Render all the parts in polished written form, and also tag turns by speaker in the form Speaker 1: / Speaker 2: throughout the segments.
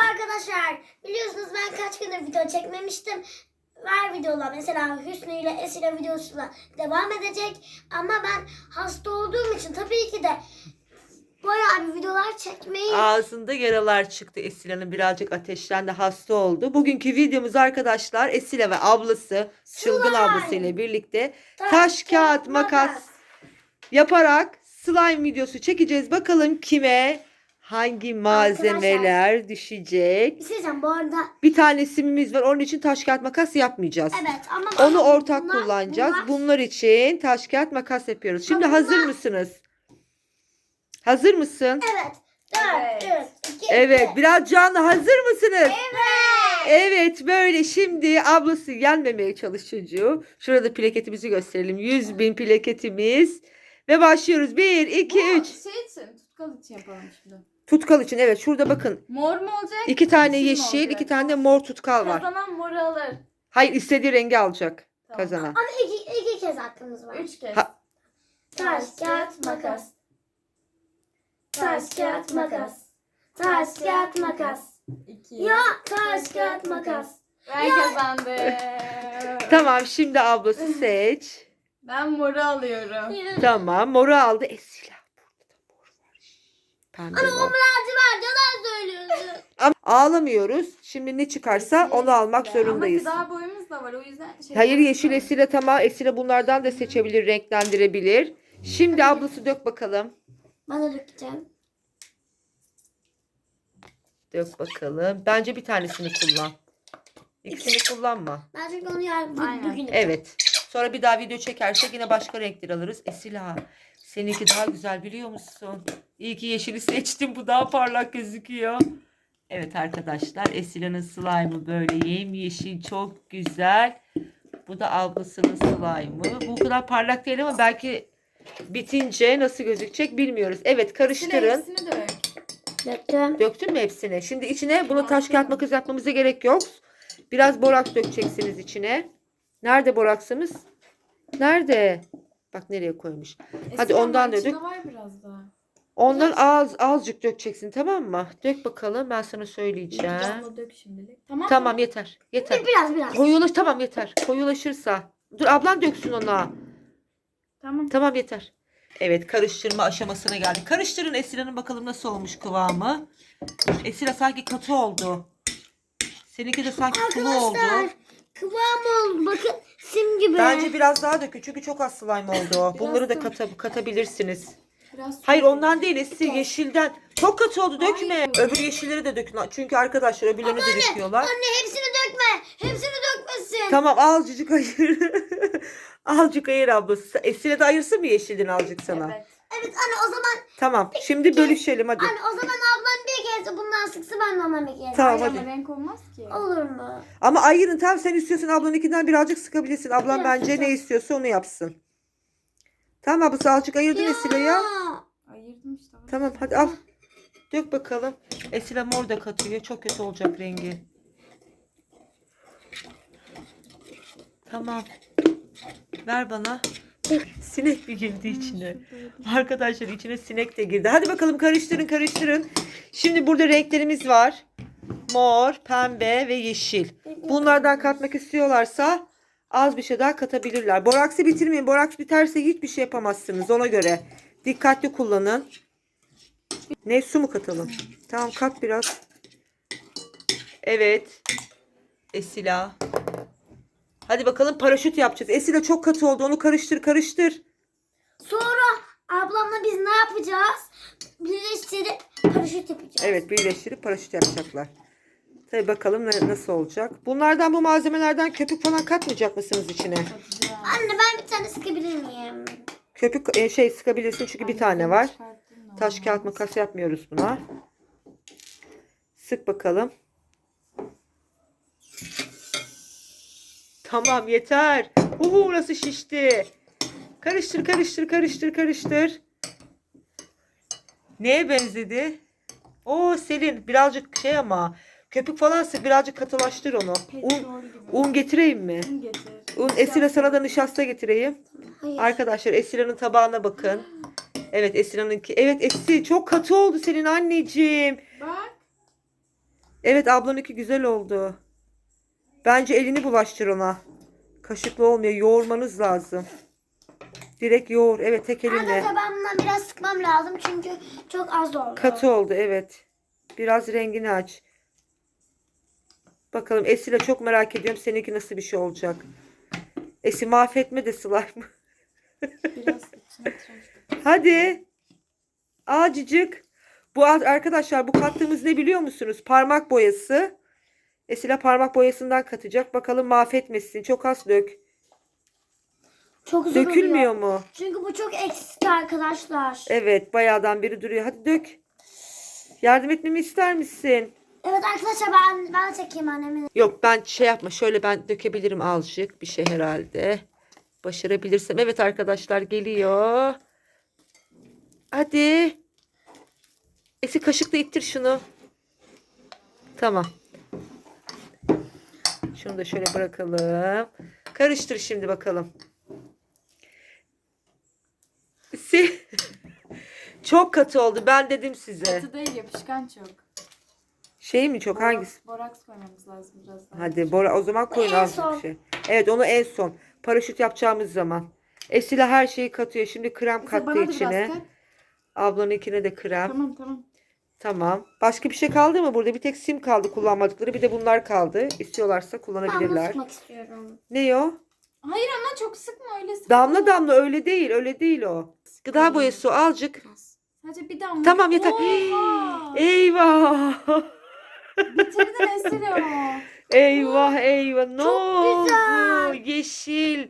Speaker 1: Arkadaşlar biliyorsunuz ben kaç gündür video çekmemiştim. Var videolar mesela Hüsnü ile Esile videosuyla devam edecek. Ama ben hasta olduğum için tabii ki de bayağı bir videolar çekmeyi...
Speaker 2: Ağzında yaralar çıktı Esile'nin, birazcık ateşlendi, hasta oldu. Bugünkü videomuz arkadaşlar Esile ve ablası, çılgın ablası ile birlikte taş kağıt makas yaparak slime videosu çekeceğiz. Bakalım kime hangi malzemeler düşecek.
Speaker 1: Bir şey diyeceğim bu arada.
Speaker 2: Bir tane simimiz var, onun için taş kağıt makas yapmayacağız.
Speaker 1: Evet ama
Speaker 2: Onu ortak kullanacağız. Bunlar için taş kağıt makas yapıyoruz. Şimdi hazır mısınız? Hazır mısın?
Speaker 1: Evet. 4, 3, 2,
Speaker 2: Evet, biraz canlı, hazır mısınız?
Speaker 1: Evet.
Speaker 2: Evet, böyle şimdi ablası yenmemeye çalış çocuğu. Şurada plaketimizi gösterelim. 100.000 plaketimiz. Ve başlıyoruz. 1, 2, 3.
Speaker 3: Şey için, tutkal için yapalım şimdi.
Speaker 2: Tutkal için, evet, şurada bakın.
Speaker 3: Mor mu olacak?
Speaker 2: 2 tane
Speaker 3: yeşil mi
Speaker 2: yeşil,
Speaker 3: olacak?
Speaker 2: 2 tane de mor tutkal var.
Speaker 3: Kazanan moru alır.
Speaker 2: Hayır, istediği rengi alacak
Speaker 3: Tamam.
Speaker 2: kazanan.
Speaker 1: Ama iki kez hakkımız var.
Speaker 3: 3 kez.
Speaker 2: Ha-
Speaker 1: Taş, kağıt, makas. Taş, kağıt, makas. Taş, kağıt, makas.
Speaker 3: 2.
Speaker 1: Ya taş, kağıt, makas.
Speaker 3: Ben kazandım.
Speaker 2: Tamam, şimdi ablası seç.
Speaker 3: Ben moru alıyorum.
Speaker 2: Tamam, moru aldı. Esila. Burada da mor var. Pembe var.
Speaker 1: Lacivert yalan söylüyorsun.
Speaker 2: Ama ağlamıyoruz. Şimdi ne çıkarsa onu almak zorundayız.
Speaker 3: Ama gıda boyumuz da var, o yüzden
Speaker 2: Hayır, yeşil Esile, tamam. Esile bunlardan da seçebilir, renklendirebilir. Şimdi ablası dök bakalım.
Speaker 1: Bana dökeceğim.
Speaker 2: Dök bakalım. Bence bir tanesini kullan. İkisini kullanma.
Speaker 1: Ben çünkü onu yarın
Speaker 3: Aynen.
Speaker 1: bugün yapacağım.
Speaker 2: Evet. Sonra bir daha video çekersek yine başka renkler alırız. Esila, seninki daha güzel biliyor musun? İyi ki yeşili seçtim. Bu daha parlak gözüküyor. Evet arkadaşlar, Esila'nın slime'ı böyle yemyeşil, çok güzel. Bu da ablasının slime'ı. Bu kadar parlak değil ama belki bitince nasıl gözükecek bilmiyoruz. Evet, karıştırın.
Speaker 3: Hepsini dök.
Speaker 1: Döktüm.
Speaker 2: Döktün mü hepsini? Şimdi içine bunu taş kağıt makas yapmamıza gerek yok. Biraz boraks dökeceksiniz içine. Nerede boraksımız? Nerede? Bak nereye koymuş. Hadi ondan da dök.
Speaker 3: İçinde var biraz daha.
Speaker 2: Ondan azıcık dökeceksin, tamam mı? Dök bakalım, ben sana söyleyeceğim.
Speaker 3: Abla dök şimdilik. Tamam.
Speaker 2: Tamam, yeter. Yeter.
Speaker 1: Biraz.
Speaker 2: Tamam, yeter. Koyulaşırsa. Dur, ablan döksün ona.
Speaker 3: Tamam.
Speaker 2: Tamam, yeter. Evet, karıştırma aşamasına geldik. Karıştırın Esila'nın, bakalım nasıl olmuş kıvamı. Esila sanki katı oldu. Seninki de sanki sulu oldu.
Speaker 1: Arkadaşlar kıvam oldu. Bakın sim gibi.
Speaker 2: Bence biraz daha dökün çünkü çok az slime oldu. o.
Speaker 3: Biraz
Speaker 2: Bunları da
Speaker 3: da-
Speaker 2: katabilirsiniz.
Speaker 3: Biraz
Speaker 2: Hayır, ondan değil Esil, yeşilden. Çok katı oldu, dökme.
Speaker 3: Hayır.
Speaker 2: Öbür yeşilleri de dökün. Çünkü arkadaşlar öbürlerini de döküyorlar.
Speaker 1: Anne hepsini dökme. Hepsini dökmesin.
Speaker 2: Tamam, azıcık ayır. Azıcık ayır ablası. Esile de ayırsın mı yeşilden azıcık sana?
Speaker 3: Evet.
Speaker 1: Evet anne o zaman
Speaker 2: Tamam, şimdi bölüşelim hadi.
Speaker 1: anne o zaman ablam bir kez bundan sıksa ben de ondan bir kez.
Speaker 2: Tamam,
Speaker 3: Ama
Speaker 2: hadi.
Speaker 3: renk olmaz ki.
Speaker 1: Olur mu?
Speaker 2: Ama ayırın, tamam, sen istiyorsan ablanınkinden birazcık sıkabilirsin. Ablam
Speaker 1: Biraz
Speaker 2: bence ne
Speaker 1: sıkacağım.
Speaker 2: istiyorsa onu yapsın. Tamam ablası, azıcık ayırdın Esile ya.
Speaker 3: Ayırdım işte.
Speaker 2: Tamam, hadi al. Dök bakalım. Esile mor da katıyor. Çok kötü olacak rengi. Tamam. Ver bana. Sinek mi girdi içine? Arkadaşlar, içine sinek de girdi. Hadi bakalım, karıştırın. Şimdi burada renklerimiz var. Mor, pembe ve yeşil. Bunlardan katmak istiyorlarsa az bir şey daha katabilirler. Boraksı bitirmeyin. Boraks biterse hiçbir şey yapamazsınız, ona göre. Dikkatli kullanın. Ne, su mu katalım? Tamam, kat biraz. Evet. Esila. Hadi bakalım, paraşüt yapacağız. Esila çok katı oldu. Onu karıştır.
Speaker 1: Sonra ablamla biz ne yapacağız? Birleştirip paraşüt yapacağız.
Speaker 2: Evet, birleştirip paraşüt yapacaklar. Tabii bakalım nasıl olacak. Bunlardan, bu malzemelerden köpük falan katmayacak mısınız içine?
Speaker 3: Katacağım.
Speaker 1: Anne ben bir tane sıkabilir miyim?
Speaker 2: Köpük sıkabilirsin çünkü bir tane var. Taş kağıt makas yapmıyoruz buna. Sık bakalım. Tamam, yeter. Nasıl şişti. Karıştır. Neye benzedi? Selin, birazcık ama köpük falan sık, birazcık katılaştır onu. Un getireyim mi?
Speaker 3: Un getir.
Speaker 2: Esila, sana da nişasta getireyim.
Speaker 1: Hayır.
Speaker 2: Arkadaşlar, Esila'nın tabağına bakın. Evet, Esila'nınki. Evet, Esil çok katı oldu senin anneciğim.
Speaker 3: Bak.
Speaker 2: Evet, ablanınki güzel oldu. Bence elini bulaştır ona. Kaşıkla olmuyor. Yoğurmanız lazım. Direkt yoğur. Evet, tek elinle.
Speaker 1: Arkadaşlar ben bundan biraz sıkmam lazım çünkü çok az oldu.
Speaker 2: Katı oldu, evet. Biraz rengini aç. Bakalım Esile, çok merak ediyorum seninki nasıl bir şey olacak. Esi, mahvetme de slime.
Speaker 3: Biraz içine tıraş.
Speaker 2: Hadi. Acıcık. Bu arkadaşlar, bu kattığımız ne biliyor musunuz? Parmak boyası. Esile parmak boyasından katacak. Bakalım mahvetmesin. Çok az dök.
Speaker 1: Çok zor
Speaker 2: Dökülmüyor
Speaker 1: oluyor.
Speaker 2: mu?
Speaker 1: Çünkü bu çok eksik arkadaşlar.
Speaker 2: Evet, bayağıdan beri duruyor. Hadi dök. Yardım etmemi ister misin?
Speaker 1: Evet arkadaşlar ben çekeyim annemin.
Speaker 2: Yok, ben şey yapma. Şöyle ben dökebilirim azıcık. Bir şey herhalde. Başarabilirsem. Evet arkadaşlar, geliyor. Hadi. Esi, kaşıkla ittir şunu. Tamam. Şunu da şöyle bırakalım. Karıştır şimdi bakalım. Çok katı oldu. Ben dedim size.
Speaker 3: Katı değil, yapışkan çok.
Speaker 2: Şey mi çok, hangisi?
Speaker 3: Boraks koymamız lazım biraz daha.
Speaker 2: Hadi Bora, o zaman koyun
Speaker 1: En
Speaker 2: az
Speaker 1: son.
Speaker 2: bir şey. Evet, onu en son. Paraşüt yapacağımız zaman. Esila her şeyi katıyor. Şimdi krem
Speaker 3: Mesela
Speaker 2: kattı
Speaker 3: bana da biraz
Speaker 2: içine.
Speaker 3: kat.
Speaker 2: Ablanınkine de krem.
Speaker 3: Tamam tamam.
Speaker 2: Tamam. Başka bir şey kaldı mı burada? Bir tek sim kaldı kullanmadıkları. Bir de bunlar kaldı. İstiyorlarsa
Speaker 1: Ben bunu
Speaker 2: kullanabilirler.
Speaker 1: sıkmak istiyorum.
Speaker 2: Ne o?
Speaker 3: Hayır ama çok sıkma, öyle sıkma.
Speaker 2: Damla damla, öyle değil. Öyle değil o. Gıda boyası o, azıcık.
Speaker 3: Sadece bir damla.
Speaker 2: Tamam, yeter.
Speaker 3: Oha!
Speaker 2: Eyvah.
Speaker 3: Bitirdin Esile.
Speaker 2: Eyvah eyvah. Ne
Speaker 1: Çok
Speaker 2: oldu?
Speaker 1: güzel.
Speaker 2: Yeşil.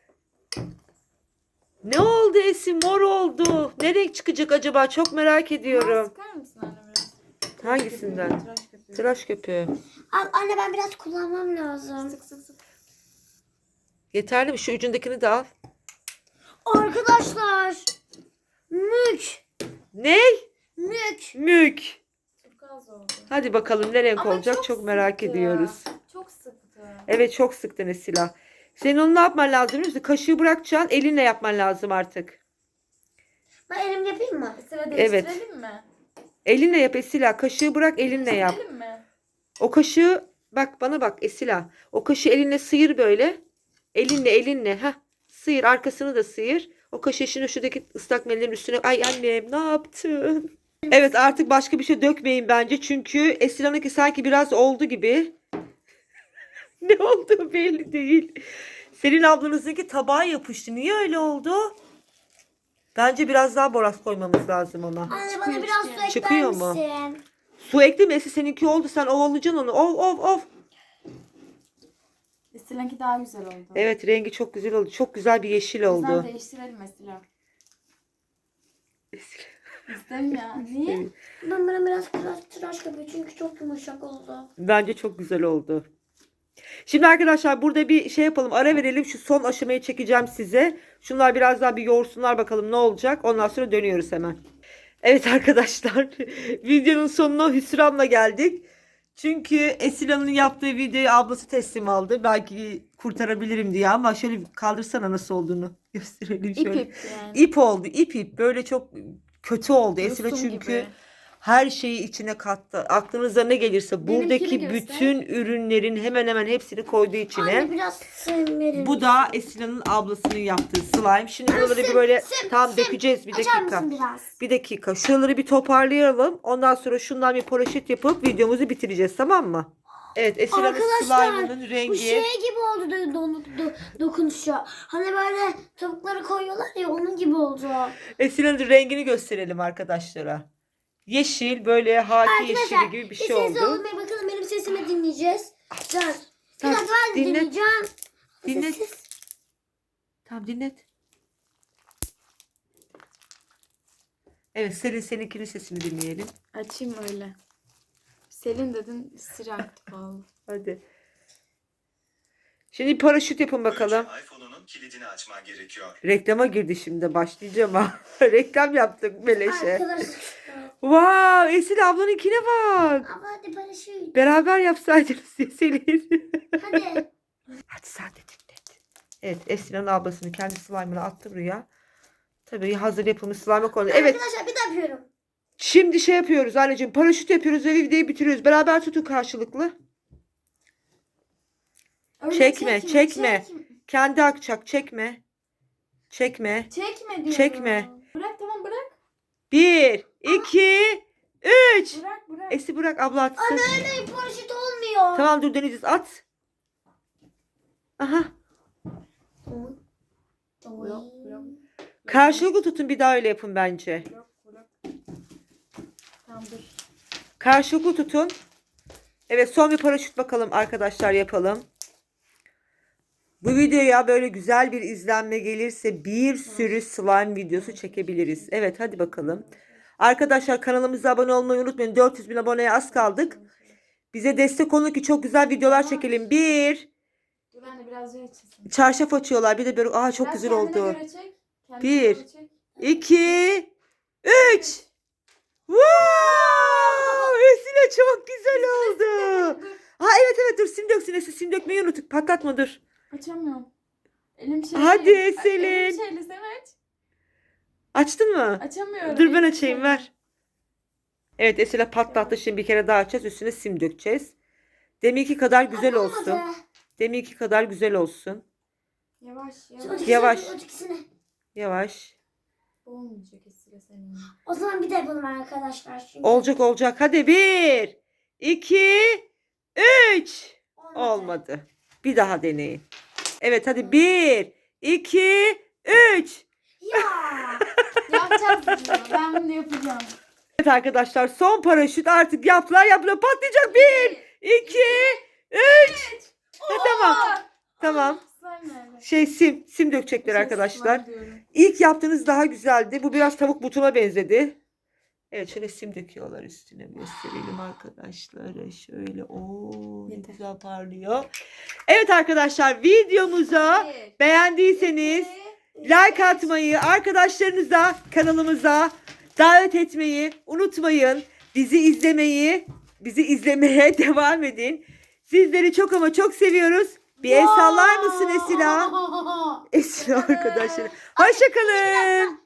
Speaker 2: Ne oldu Esin? Mor oldu. Ne renk çıkacak acaba? Çok merak ediyorum.
Speaker 3: Sıkar mısın anne biraz?
Speaker 2: Hangisinden?
Speaker 3: Tıraş köpüğü.
Speaker 2: Tıraş köpüğü.
Speaker 1: Anne ben biraz kullanmam lazım.
Speaker 3: Sık sık sık.
Speaker 2: Yeterli mi? Şu ucundakini de al.
Speaker 1: Arkadaşlar. Mük.
Speaker 2: Ne?
Speaker 1: Mük.
Speaker 2: Mük.
Speaker 3: Çok az oldu.
Speaker 2: Hadi bakalım ne renk
Speaker 3: Ama
Speaker 2: olacak? Çok merak
Speaker 3: sıktı.
Speaker 2: ediyoruz.
Speaker 3: Çok sıktı.
Speaker 2: Evet, çok sıktın Esila. Senin onu ne yapman lazım biliyor musun? Kaşığı bırakacaksın. Elinle yapman lazım artık.
Speaker 1: Ben elim yapayım mı?
Speaker 3: Esile
Speaker 2: Evet.
Speaker 3: değiştirelim mi?
Speaker 2: Elinle yap Esila. Kaşığı bırak, elinle yap.
Speaker 3: Değiştirelim mi?
Speaker 2: O kaşığı, bak bana bak Esila. O kaşığı elinle sıyır böyle. Elinle. Heh. Sıyır, arkasını da sıyır. O kaşığı şimdi şuradaki ıslak mendilin üstüne. Ay annem, ne yaptın? Evet, artık başka bir şey dökmeyin bence. Çünkü Esila'nınki sanki biraz oldu gibi. Ne oldu belli değil. Senin ablanızdaki tabağa yapıştı. Niye öyle oldu? Bence biraz daha boraks koymamız lazım ona.
Speaker 1: Anne bana biraz su ekler
Speaker 2: Çıkıyor mu?
Speaker 1: misin?
Speaker 2: Su ekleme, seninki oldu. Sen ovalayacaksın onu. Ov.
Speaker 3: Esile'ninki daha güzel oldu.
Speaker 2: Evet, rengi çok güzel oldu. Çok güzel bir yeşil
Speaker 3: O yüzden
Speaker 2: oldu.
Speaker 3: değiştirelim Esile. İstem ya. Niye?
Speaker 1: Ben bana biraz tıraş yapayım çünkü çok yumuşak oldu.
Speaker 2: Bence çok güzel oldu. Şimdi arkadaşlar burada bir şey yapalım. Ara verelim. Şu son aşamayı çekeceğim size. Şunlar biraz daha bir yoğursunlar bakalım ne olacak. Ondan sonra dönüyoruz hemen. Evet arkadaşlar. Videonun sonuna hüsranla geldik. Çünkü Esila'nın yaptığı videoyu ablası teslim aldı. Belki kurtarabilirim diye ama şöyle kaldırsana nasıl olduğunu gösterelim şöyle.
Speaker 3: İp yani.
Speaker 2: İp oldu. İp. Böyle çok kötü oldu. Esila
Speaker 3: Yosun
Speaker 2: çünkü
Speaker 3: gibi.
Speaker 2: her şeyi içine kattı. Aklınıza ne gelirse
Speaker 3: Benimkini
Speaker 2: buradaki
Speaker 3: göster.
Speaker 2: bütün ürünlerin hemen hemen hepsini koydu içine.
Speaker 1: Anne biraz sim verir
Speaker 2: Bu da Esila'nın ablasının yaptığı slime. Şimdi buraları bir böyle tam dökeceğiz. Bir
Speaker 1: Açar
Speaker 2: dakika.
Speaker 1: mısın biraz?
Speaker 2: Bir dakika. Şuraları bir toparlayalım. Ondan sonra şundan bir paraşüt yapıp videomuzu bitireceğiz, tamam mı? Evet, Esila'nın
Speaker 1: Arkadaşlar,
Speaker 2: slime'ının rengi.
Speaker 1: Bu şey gibi oldu dokunuşu. Hani böyle tavukları koyuyorlar ya onun gibi oldu.
Speaker 2: Esila'nın rengini gösterelim arkadaşlara. Yeşil, böyle haki yeşili gibi bir şey
Speaker 1: sessiz
Speaker 2: oldu.
Speaker 1: olun ve bakalım benim sesimi dinleyeceğiz. Dur. Bir
Speaker 2: Tamam,
Speaker 1: dakika ben
Speaker 2: dinlet.
Speaker 1: dinleyeceğim.
Speaker 2: Dinlet.
Speaker 1: Sessiz.
Speaker 2: Tamam, dinlet. Evet, seninkinin sesini dinleyelim.
Speaker 3: Açayım öyle. Selin dedin, sıcaktı vallahi.
Speaker 2: Hadi. Şimdi paraşüt yapın bakalım.
Speaker 4: Önce iPhone'unun kilidini açman gerekiyor.
Speaker 2: Reklama girdi şimdi, başlayacağım ha. Reklam yaptık beleşe.
Speaker 1: Arkadaşlar.
Speaker 2: Wow, Esil ablanınkine bak.
Speaker 1: Ama hadi paraşüt.
Speaker 2: Beraber yapsaydınız ya Selin.
Speaker 1: Hadi.
Speaker 2: Hadi sen de dinlet. Evet, Esil'in ablasının kendi slime'ını attı buraya. Tabii hazır yapılmış slime'a koydu. Evet.
Speaker 1: Arkadaşlar bir daha yapıyorum.
Speaker 2: Şimdi şey yapıyoruz anneciğim. Paraşüt yapıyoruz ve videoyu bitiriyoruz. Beraber tutun karşılıklı.
Speaker 3: Öyle
Speaker 2: Çekme. Kendi akacak. Çekme.
Speaker 3: Çekme diyorum.
Speaker 2: Çekme.
Speaker 3: Bırak, tamam bırak.
Speaker 2: 1, 2, 3.
Speaker 3: Bırak.
Speaker 2: Esi bırak, abla atsın.
Speaker 1: Anne öyle paraşüt olmuyor.
Speaker 2: Tamam dur deneyeceğiz. At. Aha.
Speaker 3: Bırak.
Speaker 2: Karşılıklı tutun, bir daha öyle yapın bence.
Speaker 3: Bırak. Tamam dur.
Speaker 2: Karşılıklı tutun. Evet, son bir paraşüt bakalım arkadaşlar, yapalım. Bu videoya böyle güzel bir izlenme gelirse bir sürü slime videosu çekebiliriz. Evet, hadi bakalım. Arkadaşlar kanalımıza abone olmayı unutmayın. 400 bin aboneye az kaldık. Bize destek olun ki çok güzel videolar çekelim.
Speaker 3: Dur anne, biraz daha açılsın.
Speaker 2: Çarşaf açıyorlar. Bir de böyle çok
Speaker 3: Biraz
Speaker 2: güzel
Speaker 3: kendine
Speaker 2: oldu.
Speaker 3: göre çek. Kendine
Speaker 2: 1,
Speaker 3: göre çek.
Speaker 2: 2, 3. Wow! Esile çok güzel oldu.
Speaker 3: Dur.
Speaker 2: Ha evet dur, sim döksün Esile, sim dökmeyi unuttuk. Patlatma, dur.
Speaker 3: Açamıyorum. Elim şey.
Speaker 2: Hadi
Speaker 3: Elim
Speaker 2: Selin.
Speaker 3: şeyli, sen aç.
Speaker 2: Açtın mı?
Speaker 3: Açamıyorum.
Speaker 2: Dur ben
Speaker 3: Elim
Speaker 2: açayım,
Speaker 3: şeyli.
Speaker 2: ver. Evet Esile patlattı, şimdi bir kere daha açacağız. Üstüne sim dökeceğiz. Deminki kadar güzel olsun.
Speaker 1: Olmadı.
Speaker 2: Deminki kadar güzel olsun.
Speaker 3: Yavaş.
Speaker 2: Yavaş.
Speaker 1: Ötekisini.
Speaker 2: Yavaş.
Speaker 3: Olmayacak Esile senin.
Speaker 1: O zaman bir de yapalım arkadaşlar. Çünkü
Speaker 2: Olacak. Hadi 1, 2, 3. Olmadı. Bir daha deneyin. Evet hadi 1, 2, 3.
Speaker 1: Ya.
Speaker 3: Yapacağız bunu. Ben bunu yapacağım.
Speaker 2: Evet arkadaşlar, son paraşüt artık yaptılar patlayacak. 1, 2, 3. Tamam.
Speaker 3: Slime nerede?
Speaker 2: Sim dökecekler arkadaşlar.
Speaker 3: Slime diyorum.
Speaker 2: İlk yaptığınız daha güzeldi. Bu biraz tavuk butuna benzedi. Evet, şöyle sim döküyorlar üstüne. Gösterelim arkadaşlar. Şöyle ne
Speaker 3: Yeter.
Speaker 2: güzel parlıyor. Evet arkadaşlar, videomuza beğendiyseniz like atmayı, arkadaşlarınıza kanalımıza davet etmeyi unutmayın. Bizi izlemeye devam edin. Sizleri çok ama çok seviyoruz. Bir el sallar mısın Esila? Esila arkadaşlar. Hoşça kalın.